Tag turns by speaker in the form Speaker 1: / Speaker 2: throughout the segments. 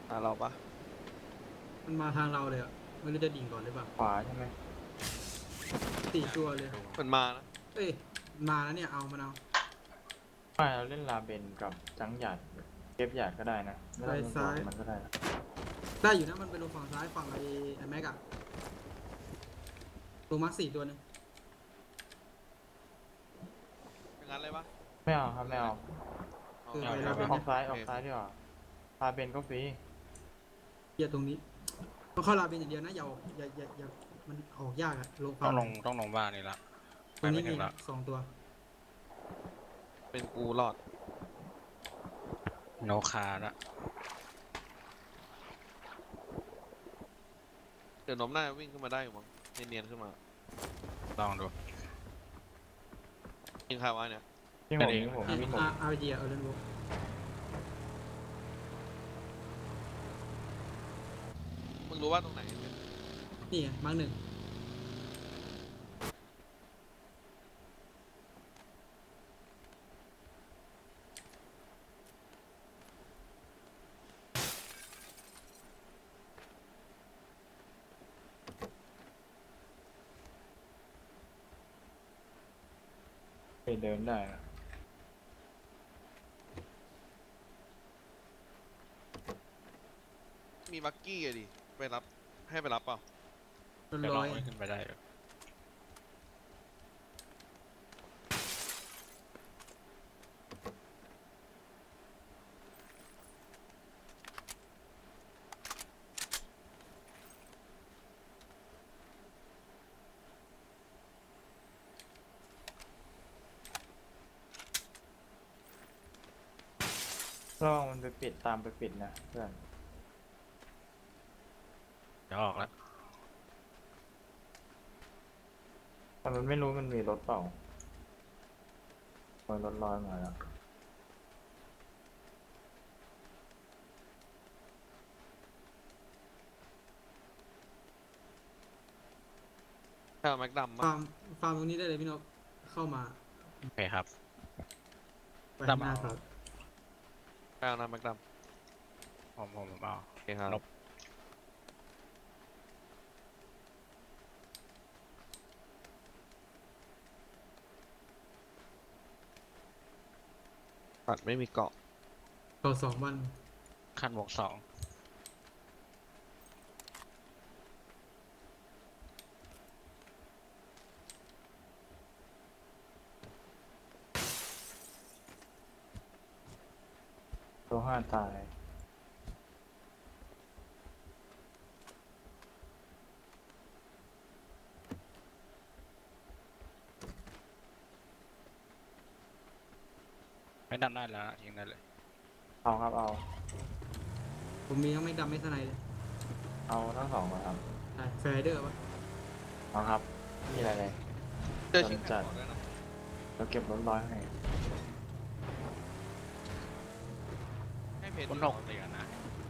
Speaker 1: เราปะ
Speaker 2: มันมาทางเราเลยอ่ะไม่รู้จะดิ่งก่อนหรือเปล่า
Speaker 3: ขวาใช่ไหม
Speaker 2: 4 ตัวเลย
Speaker 1: มันมานะ
Speaker 2: เอ้ยมาแล้วเนี่ยเอามันเอา
Speaker 3: ไม่เราเล่นลาเบนกับจังหยัดเก็บหยัดก็ได้นะไม่
Speaker 2: ไป
Speaker 3: ต้องเป็นตัว
Speaker 2: ซ้าย
Speaker 3: มันก็ได้นะ
Speaker 2: ได้อยู่นะมันไปลงฝั่งซ้ายฝั่งไอ้แม็กอะลงมาร์ค4 ตัวหนึง
Speaker 1: เป็นงั้นเลยปะ
Speaker 3: ไม่เอาครับไม่เอา
Speaker 2: คือ
Speaker 1: เอา
Speaker 2: ไป
Speaker 1: เอา
Speaker 2: ลาเบน
Speaker 3: อ
Speaker 2: เนี่
Speaker 3: อย กซ้ายดีกว่าลาเบนก็ฟรี
Speaker 2: เกียร์ตรงนี้ต้องเข้าลาเบนอย่างเดียวนะอย่ามันออกยากอะลง
Speaker 4: ต้
Speaker 2: ฝั่
Speaker 4: องลงบ้านนี่ละ
Speaker 2: ตรงนี้
Speaker 4: ไปไม่ถึ
Speaker 2: มี
Speaker 4: งละ
Speaker 2: 2 ตัว
Speaker 1: เป็นกูรอด
Speaker 4: โนคาละ
Speaker 1: เดี๋ยวน้มหน้าวิ่งขึ้นมาได้อยู่มั้งเนียนๆขึ้นมา
Speaker 4: ลองดู
Speaker 1: ยิงใครวะเนี่ย
Speaker 3: ที่ผ
Speaker 4: กั
Speaker 3: ม
Speaker 4: นเอง
Speaker 3: ที่ผม
Speaker 2: เนี่ย
Speaker 3: วิ่งผม
Speaker 2: อาร์เจียเออเล่นบุก
Speaker 1: มึงรู้ว่าตรงไหน
Speaker 2: นี่ไงมาร์ค1
Speaker 3: ไปเดินได้นะ
Speaker 1: มีบักกี้อะดิไปรับให้ไปรับเปล่า
Speaker 4: เดี๋ยวล
Speaker 2: ร้
Speaker 4: อ
Speaker 2: อง ย
Speaker 4: วิ่งขึ้นไปได้อยู่
Speaker 3: ระวังมันไปปิดตามไปปิดนะเพื่อน
Speaker 4: เดี๋ยวออกแล้ว
Speaker 3: แต่มันไม่รู้มันมีรถเปล่ามันรถลอยมาแล้ว
Speaker 1: ใช่เอาแม็กดัม
Speaker 2: ฟาร์มฟาร์มตรงนี้ได้เลยพี่นกเข้ามา
Speaker 4: โอเคครับ
Speaker 2: ไปข้างหน้าครับ
Speaker 1: ใช่เอานะแม็กดัม
Speaker 4: ผมเอา
Speaker 1: โอเคครับ
Speaker 4: นบ
Speaker 1: ตัดไม่มีเกาะ
Speaker 2: ต่อ2 วัน
Speaker 4: ขั้นบวก 2
Speaker 3: ตัวห้าตาย
Speaker 4: ไม่ดันได้แล้วนะทิ้งได้เลย
Speaker 3: เอาครับเอา
Speaker 2: ผมมีทั้งแม็กดำไม่สไนเลย
Speaker 3: เอาทั้งสองมาครับ
Speaker 2: ใช่แฟร์เดอร์ปะ
Speaker 3: เอาครับมีอะไรเลย
Speaker 1: เจอชิงแพดก่อนด้วยนะ
Speaker 3: เราเก็บรถลอยให้
Speaker 1: ให้เพจ
Speaker 4: คุณ
Speaker 1: ดี
Speaker 4: ห
Speaker 1: ก
Speaker 4: ก
Speaker 1: ว่า
Speaker 4: เตียนะ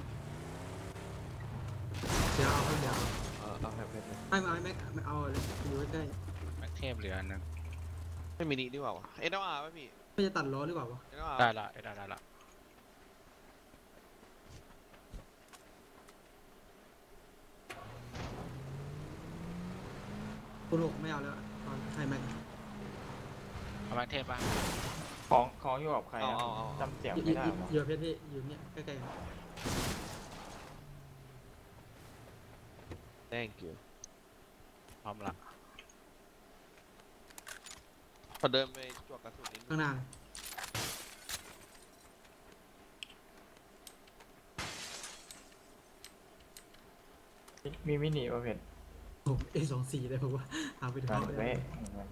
Speaker 2: เดี๋ยวเอาเดี๋ยว
Speaker 1: เอาให้เพจเลย
Speaker 2: ไม่มาแม็กไม่เอาเลยอยู่ใกล้
Speaker 4: แม็กเทพเหลืออันหนึง
Speaker 1: ไม่มีนี่ดีกว่าวะเอ็นอาร์ป่ะพี่
Speaker 2: ๆไม่จะตัดล้อหรือเปล่าวะ
Speaker 1: เอ็นอาร์
Speaker 4: ได้ละ
Speaker 2: คุณ6ไม่เอาแล้วตอนให้แม็ก
Speaker 4: เอาแม็กเทพป่ะ
Speaker 3: ของอยู่กับใครนะ
Speaker 1: เอา
Speaker 3: จำเสียง
Speaker 2: อยู่
Speaker 3: ไม่ได้หรอ
Speaker 2: อยู่เพชรพี่อยู่เนี่ยใกล้ๆกัน
Speaker 1: thank you
Speaker 4: พร้อมละ
Speaker 1: พอเดินไปจวกกระสุนนิดนึ
Speaker 2: ข้าง งหน้า
Speaker 3: มีมินิประเภท
Speaker 2: ผมA24เลยผมว่าเอาไปดู
Speaker 3: การ
Speaker 2: เขา
Speaker 3: เว้ย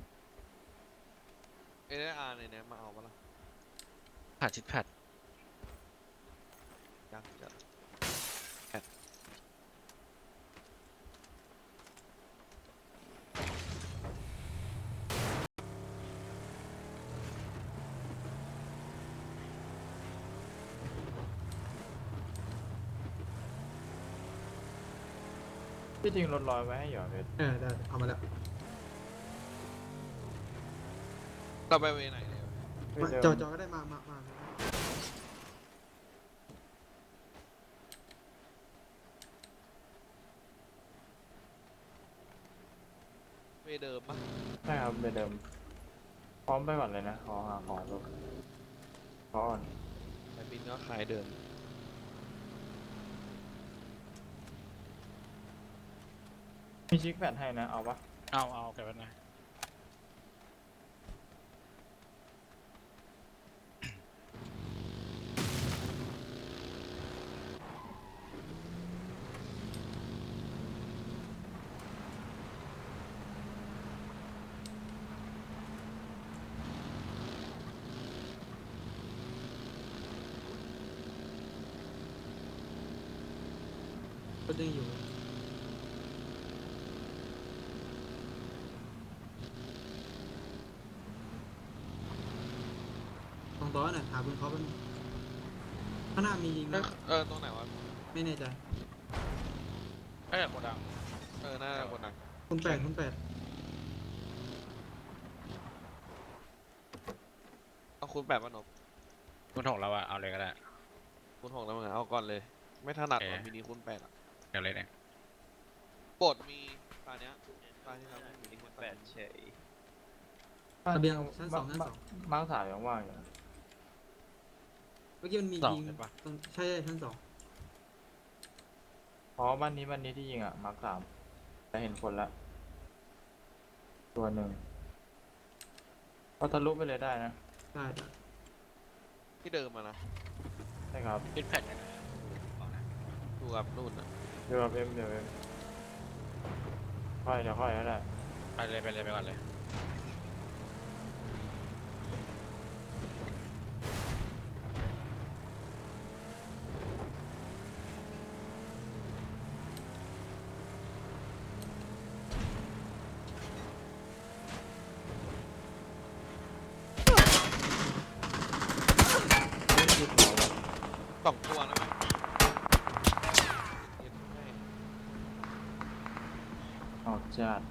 Speaker 1: เอ็นอาร์ในเนี้ยมาเอาปะล่ะ
Speaker 4: ผ่านชิดแพด
Speaker 1: ยังจะ
Speaker 3: ที่จริงรถลอยไว้ให้หยอดเพชร
Speaker 2: ได้เอามาแล้ว
Speaker 1: เราไปเวไหนเนี่ย
Speaker 3: ไม่เจ
Speaker 2: จอก็ได้มา
Speaker 1: เดิมปะ
Speaker 3: ใช่ครับไปเดิม พร้อมไปก่อนเลยนะขอหาของรถขอก่อน
Speaker 1: แต่บินก็ขายเดิม
Speaker 3: มีชิคแพดให้นะ เอาปะ
Speaker 4: เอาเก็บไว้หน่อย
Speaker 2: ก็ยังอยู่ตรงโต๊ะน่ะหาปืนเขาเป็นข้างหน้ามียิงนะ
Speaker 1: ตรงไหนวะ
Speaker 2: ไม่แน่ใจ
Speaker 4: เอ้ยโกดัง
Speaker 1: น่าจะคนนั้น
Speaker 2: คุณแปดคุณแปด
Speaker 1: เอาคูณ8ป่ะนบ
Speaker 4: คุณถงแล้วอะเอาเลยก็ได้
Speaker 1: คูณ6แล้วมึงอะเอาก่อนเลย ไม่ถนัด
Speaker 4: โอเค
Speaker 1: ว่ะมินิคูณ8อ่ะ
Speaker 4: เดี๋ยวเลยเนี่ย
Speaker 1: โปรดมีตาเนี้ยตาที่เรามินิคูณ8
Speaker 5: เฉย
Speaker 2: ระเบียงชั้น 2ชั้น 2
Speaker 3: มาร์คสายยังว่างอยู่นะ
Speaker 2: เมื่อกี้มันมี
Speaker 4: สอง
Speaker 2: ยิง
Speaker 4: ใช่ปะ
Speaker 2: ตรงใช่ใช่ชั้น 2
Speaker 3: อ๋อบ้านนี้ที่ยิงอ่ะ มาร์ค3แต่เห็นคนละ ตัวหนึ่งก็ทะลุไปเลยได้นะ
Speaker 2: ได้ได้
Speaker 1: ที่เดิมมานะ
Speaker 3: ใช่ครับ
Speaker 4: ชิดแพดยังไงบอกนะ
Speaker 1: ดูกับนู่นอ่ะ
Speaker 3: เดี๋ยวเอ็มเดี๋ยวเอ็มค่อยเดี๋ยวค่อยก็ได้
Speaker 4: ไปเลยไปก่อนเลย
Speaker 3: ยึดหัวไว้
Speaker 1: 2 ตัวนะไหมเย็นให้
Speaker 3: ออกจัด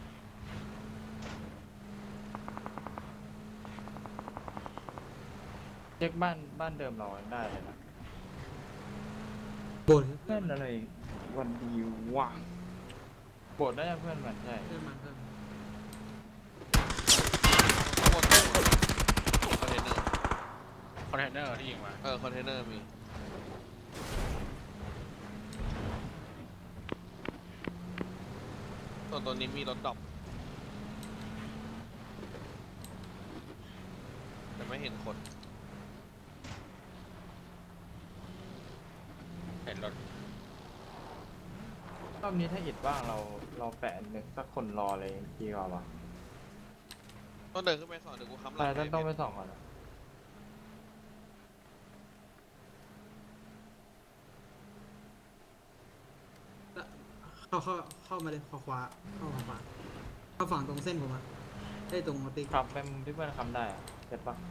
Speaker 3: เช็คบ้านเดิมเรายังได้เลยนะ
Speaker 2: โบน
Speaker 3: เพื่อนอะไรวันดีว่ะโบดได้เพื่อนมันใช่
Speaker 2: เพื่อนมันเพื่อน
Speaker 1: ข้างบนคอนเทนเนอร์
Speaker 4: คอนเทนเนอร์ที่ยิงมา
Speaker 1: คอนเทนเนอร์มี ส่วนตัวนี้มีรถดรอปแต่ไม่เห็นคน
Speaker 4: เห็นรถ
Speaker 3: รอบนี้ถ้าอิดว่างเราแปะหนึ่งสักคนรอเลยดีกว่าวะ
Speaker 1: ต้องเดินขึ้นไปสอนเดี๋ยวกูค้ำหลั
Speaker 3: ใช่
Speaker 1: ง
Speaker 3: ต้องไป
Speaker 1: ให้
Speaker 3: ส่องก่อนนะ
Speaker 2: เข้ามาเลยขวาขวาเข้าขวาเข้าฝั่งตรงเส้นผมอะได้ตรงติ๊ก
Speaker 3: ขับไปมุมที่เพื่อนคำได้อะเสร็จปะ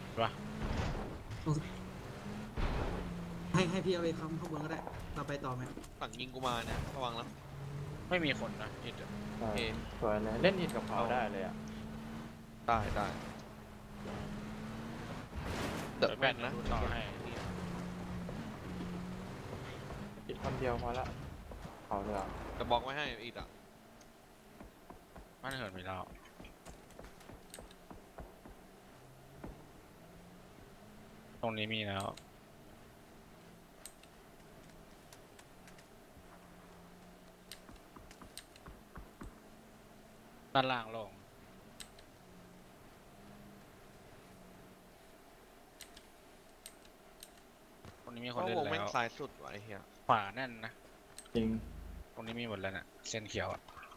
Speaker 2: ให้พี่เอาไปค้ำข้างบนก็ได้เราไปต่อไหม
Speaker 1: ฝั่งยิงกูมาเนี่ยระวังนะ
Speaker 4: ไม่มีคนนะอิดอะ
Speaker 3: ใช่
Speaker 1: โอเค
Speaker 3: สวยเลยเล่นอิดกับเขาได้เลยอ่ะ
Speaker 1: ได้เด
Speaker 4: เดี๋
Speaker 1: อะ
Speaker 4: ยว
Speaker 1: แม่นนะ
Speaker 4: ดูต่อให้
Speaker 3: อิดคนเดียวพอละเขาเลยอ่ะ
Speaker 1: แต่บล็อกไว้ให้อีกอ่ะ
Speaker 4: บ้านเหินมีแล้วตรงนี้มีแล้วด้านล่างลงตรงนี้มีคน
Speaker 1: เพราะ
Speaker 4: เล่น
Speaker 1: วงแม่
Speaker 4: แล้
Speaker 1: ง
Speaker 4: ว
Speaker 1: ซ้ายสุดว่ะไอ้เหี้ย
Speaker 4: ขวาแน่นนะ
Speaker 3: จริง
Speaker 4: ตรงนี้มีหมดแล้วน่ะเส้นเขียวอะ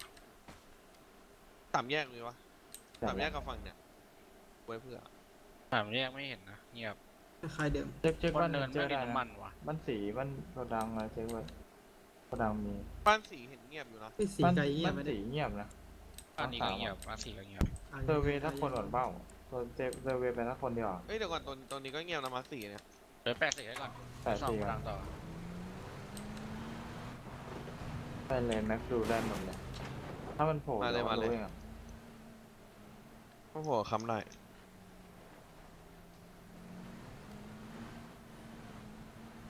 Speaker 1: 3 แยกมีวะ 3 แยกกับฝั่งเนี่ยไว้เพื่อ
Speaker 4: ถามแยกไม่เห็นนะเงียบ
Speaker 2: คล้ายๆเดิม
Speaker 3: เช็ค
Speaker 4: บ
Speaker 3: บ้าน น
Speaker 4: เนิ
Speaker 3: เนิ
Speaker 4: น
Speaker 3: นเจ
Speaker 4: ไม่
Speaker 3: อ
Speaker 4: มี
Speaker 3: ได้
Speaker 4: น้ำ
Speaker 3: นะ
Speaker 4: มันวะ
Speaker 3: บ้านสีบ้านโกดังอะไรเช็คไว้โกดังมี
Speaker 1: บ้านสีเห็นเงียบอยู่นะ
Speaker 2: พี่สี
Speaker 3: บ้าน
Speaker 2: ไก่เงียบ
Speaker 3: บ้าน
Speaker 2: ไม่ได้
Speaker 3: สีเงียบนะ
Speaker 4: อันนี้ก็เงียบอันสี่ก็เงียบ
Speaker 3: เซอร์เวย์สักคนก่อนเปล่าเซอร์เวย์ไปสักคนเดียวอะ
Speaker 1: เอ้ยเดี๋ยวก่อนตัวนี้ก็เงียบนะมาสี่เนี่ย
Speaker 4: เดี๋ยวแปะสีให้ก่อน
Speaker 3: แต่
Speaker 4: สอง
Speaker 3: สี
Speaker 4: ก
Speaker 3: อะ
Speaker 4: ลางต่อ
Speaker 3: ได้เลยแม็กซ์ดูได้หมดเลยถ้ามันโผล่เราก็รู้เองอะ
Speaker 1: โอ้โหค้ำได้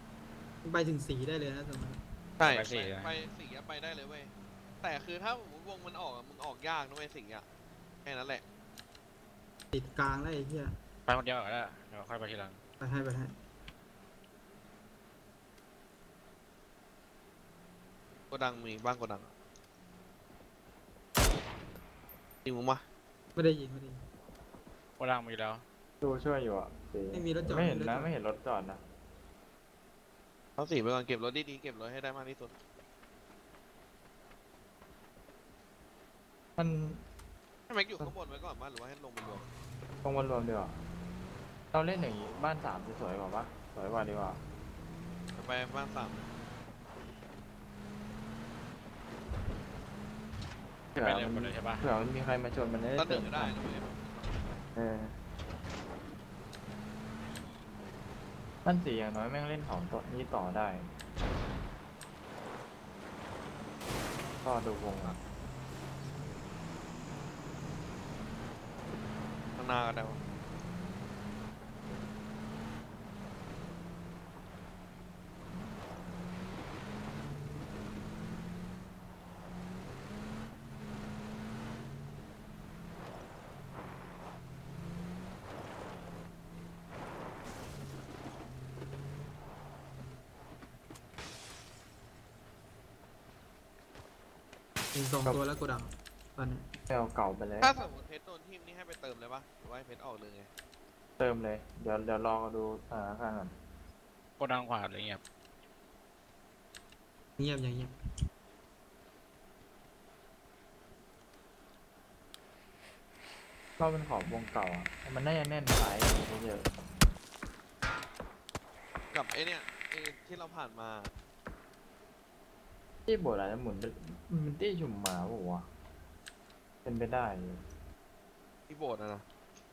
Speaker 2: ไปถึงสีได้เลยนะตรงนั้น
Speaker 1: ใช่
Speaker 4: ไปสี่นะ
Speaker 1: ไปสี่อะไปได้เลยเว้ย แต่คือถ้าววงมันออกอะมึงออกยากนะเว้ยสิงห์อะแค่นั้นแหละ
Speaker 2: ติดกลางแล้วไอ้เหี้ย
Speaker 4: ไปคนเดียวก็ได้เดี๋ยวค่อยไปทีหลัง
Speaker 2: ไปให้ไปให้
Speaker 1: โกดังมีบ้างโกดังอะจริงมึงปะ
Speaker 2: ไม่ได้ยิงไม่ได้ยิง
Speaker 4: โกดังมีแล้ว
Speaker 3: ดูช่วยอยู่อ่ะสี
Speaker 2: ไม่มีรถจอด
Speaker 3: ไม่เห็น
Speaker 2: รถจ
Speaker 3: นะ
Speaker 2: อด
Speaker 3: ไม่เห็นรถจอดนะ
Speaker 1: เอาสีไปก่อนเก็บรถดีๆเก็บรถให้ได้มากที่สุด
Speaker 3: มัน
Speaker 1: ให้แม็กอยู่ข้างบนไว้ก่อนมั้ยหรือว่าให้ลงไปรวม
Speaker 3: ตรงวันรวมดีกว่าเราเล่นอย่างนี้บ้านสามจะสวยกว่าปะสวยกว่าดีกว่า
Speaker 1: ไปบ้านสาม
Speaker 3: เผื่อ
Speaker 4: ไปเร็ว
Speaker 3: มัน
Speaker 4: ไปเลยใช่ปะ
Speaker 3: เผื่อมันมีใครมาชนมันจะได้
Speaker 1: ตอนห
Speaker 3: เติ
Speaker 1: นึ่ง
Speaker 3: ม
Speaker 1: ก็ได้นะเว้ย
Speaker 3: เออบ้านสีอย่างน้อยแม่งเล่นของตัวนี้ต่อได้ก็ดูวงอ่ะ
Speaker 1: ข้างหน้าก็ได้วะ
Speaker 2: ยิงสองตัวแล้วโกดังตอนนี้
Speaker 3: ไม่เอาเก่าไปเลย
Speaker 1: ถ้าสมมติเพชรโดนทีมนี่ให้ไปเติมเลยปะหรือว่าให้เพชรออกเลยไง
Speaker 3: เติมเลย เดี๋ยวรอดูสถานการณ์ก่อน
Speaker 4: โกดังขวาอะไรเงี้ย
Speaker 2: เงียบอย่างเงียบ
Speaker 3: ก็เป็นขอบวงเก่าอ่ะมันน่าจะแน่นสายเยอะ
Speaker 1: กับไอเนี่ยไอที่เราผ่านมา
Speaker 3: ที่โบราณหมุนเป็นมันที่ชุมหมาปะวะเป็นไปได้อยู่
Speaker 1: ที่โบสถ์นะ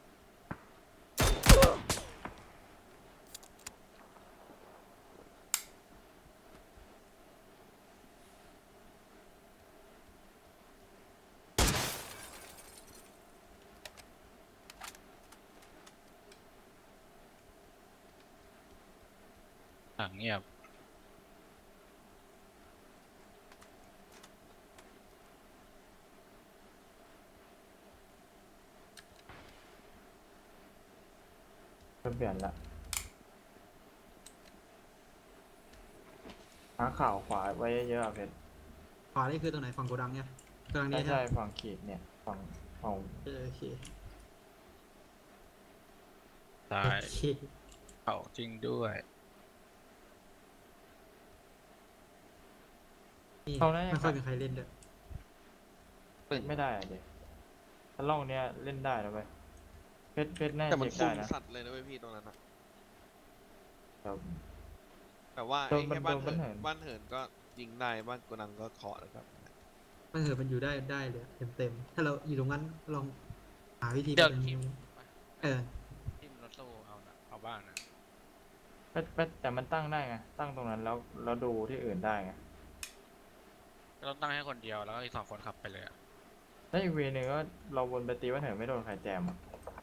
Speaker 4: หลังเงียบ
Speaker 3: ก็เปลี่ยนละหาข่าวขวาไว้เยอะๆอะเพชร
Speaker 2: ขวานี่คือตรงไหนฝั่งโกดังเนี่ยโกดัง
Speaker 3: ใช่
Speaker 2: นี้
Speaker 3: ใช่
Speaker 2: ใช่ไหม
Speaker 3: ฝั่งขีดเนี่ยฝั่ง
Speaker 2: โอเค
Speaker 4: ซ้า
Speaker 2: โอย เค
Speaker 4: เขาจริงด้วย
Speaker 2: นี่
Speaker 3: เขาได้
Speaker 2: ไม่ค่อยมีใครเล่นด้วย
Speaker 3: ไม่ได้อะเด็กถ้าล่องเนี้ยเล่นได้นะเว้ยเพชรน่า
Speaker 1: แต่
Speaker 3: จะ
Speaker 1: มัน
Speaker 3: เช็ค
Speaker 1: คุ
Speaker 3: ได้
Speaker 1: ม
Speaker 3: นะ
Speaker 1: สัตว์เลยนะเว้ยพี่ตรงนั้นนะ
Speaker 3: เดี๋ยว
Speaker 1: แต่ว่า
Speaker 3: โด
Speaker 1: ไอ้
Speaker 3: น
Speaker 1: แค่บ้าน
Speaker 3: โดนบ้านเหิ
Speaker 1: เหิน
Speaker 3: น
Speaker 1: บ้านเหินก็ยิงได้บ้านโกดังก็เคาะแล้วครับ
Speaker 2: มันเหินมันอยู่ได้เลยเต็มถ้าเราอยู่ตรงนั้นลองหาวิธี
Speaker 4: เดี๋ยว
Speaker 2: ไป
Speaker 4: ทีม
Speaker 2: เออ
Speaker 4: ทีมรถตู้เอานะเอาบ้านนะ
Speaker 3: เพชรแต่มันตั้งได้ไงตั้งตรงนั้นแล้วดูที่อื่นได้ไง
Speaker 4: ก็ต้องตั้งให้คนเดียวแล้วก็อีก2 คนขับไปเลยอะ
Speaker 3: แล้วอีกเวนึงก็เราวนไปตีว่าเหินไม่โดนใครแจมอ่ะ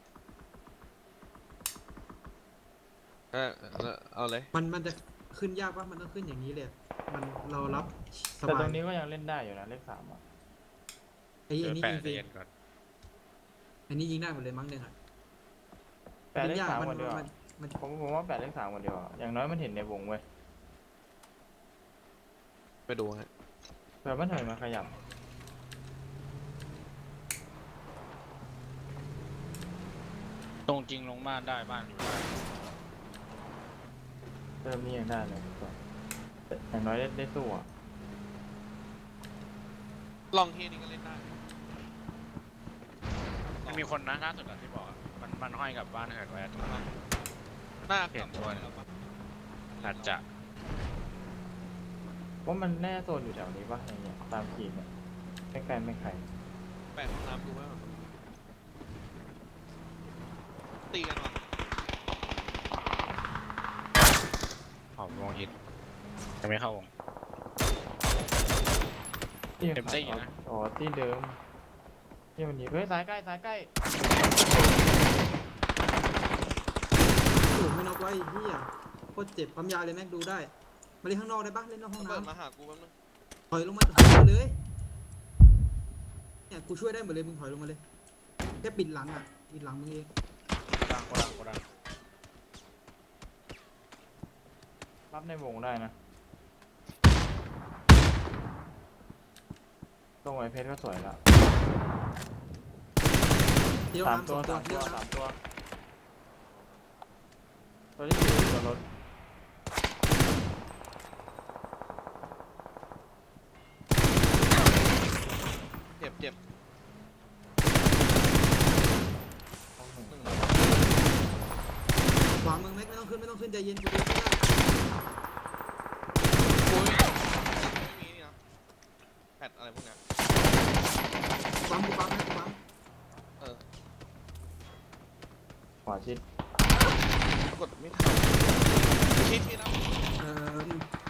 Speaker 1: เอาเลย
Speaker 2: มันจะขึ้นยากปะมันต้องขึ้นอย่างนี้เลยมันเรารับส
Speaker 3: แต่
Speaker 2: บา
Speaker 3: ตร
Speaker 2: ย
Speaker 3: งนี้ก็ยังเล่นได้อยู่นะเลขสามอ่ะ
Speaker 2: ไอ้
Speaker 4: เดี๋ยว
Speaker 2: นี่
Speaker 4: แปะ
Speaker 2: ยิงฟ
Speaker 4: ใจ
Speaker 2: รี
Speaker 4: เย็นก่อน
Speaker 2: อันนี้ยิงได้หมดเลยมั้งเนี่ย
Speaker 3: แปดเลข
Speaker 2: ยาก
Speaker 3: สาม
Speaker 2: มัน
Speaker 3: คนเดียว
Speaker 2: มั
Speaker 3: อะ
Speaker 2: นมัน
Speaker 3: ผมว่าแปดเลขสามคนเดียวอะอย่างน้อยมันเห็นในวงเว้ย
Speaker 1: ไปดูฮะ
Speaker 3: เผื่อมันเหินมาขยับ
Speaker 4: ตรงจริงลงบ้านได้บ้านอยู่ได้
Speaker 3: เริ่มนี่ยังได้เลยแต่อย่างน้อยได้สู้อ่ะ
Speaker 1: ลองเฮียนี่ก็เล่นได้
Speaker 4: มันมีคนนะล่าสุดอะที่บอกอะมันห้อยกับบ้านเหินไว้ตรงนั้น
Speaker 1: หน้า
Speaker 4: เห็น
Speaker 1: ขับ
Speaker 4: ด้วย
Speaker 1: แล้วปะ
Speaker 4: อาจจะ
Speaker 3: ว่ามันแน่โซนอยู่แถวนี้ปะอย่างเงี้ยตามขีดเนี่ยไม่ไกลไม่ไกล
Speaker 1: แปะห้องน้ำดูไว้ก่อนตีกันวะ
Speaker 4: หอมวงฮิตยังไม่เข้าวง
Speaker 3: ที่
Speaker 4: เต็มที่นะ
Speaker 3: อ๋อที่เดิมที่มันยิงเฮ้ยสายใกล้สายใกล้
Speaker 2: โอ้ไม่น็อกไว้เฮียโคตรเจ็บความยาวเลยแม็กดูได้มาเล่นข้างนอกได้ปะเล่นนอกห้อง
Speaker 1: เปิด
Speaker 2: น้ำ
Speaker 1: มาหากูแป๊บนึง
Speaker 2: ถอยลงมาถอยลงมาเลยเนี่ยกูช่วยได้หมดเลยมึงถอยลงมาเลยแค่ปิดหลังอ่ะปิดหลังมึงเอง
Speaker 4: โกดัง
Speaker 3: รับในวงได้นะตรงไอเพชรก็สวยละ
Speaker 2: เที่ยว
Speaker 3: สาม
Speaker 2: น้ำ
Speaker 3: ตั
Speaker 2: ส
Speaker 3: ว
Speaker 2: องตัว
Speaker 3: สาม
Speaker 2: เที่
Speaker 3: ตั
Speaker 2: ยว ว
Speaker 3: สาม
Speaker 2: น้ำ
Speaker 3: ตัวตัวที่อยู่บนรถ
Speaker 1: เจ็บเจ็บ
Speaker 3: ห้องหนึ่ง
Speaker 1: หนึ่ง
Speaker 2: ขวามึงแม็กไม่ต้องขึ้นใจเย็นกูดูไม่ได้
Speaker 1: โอ้ยไม่มีนี่นะแพทอะไรพวกเนี้ย
Speaker 2: ปั๊มกูปั๊มให้กูปั๊ม
Speaker 1: เออ
Speaker 3: ขวาชิด
Speaker 1: ปรากฏไม่ทันชิดนะ
Speaker 2: เออ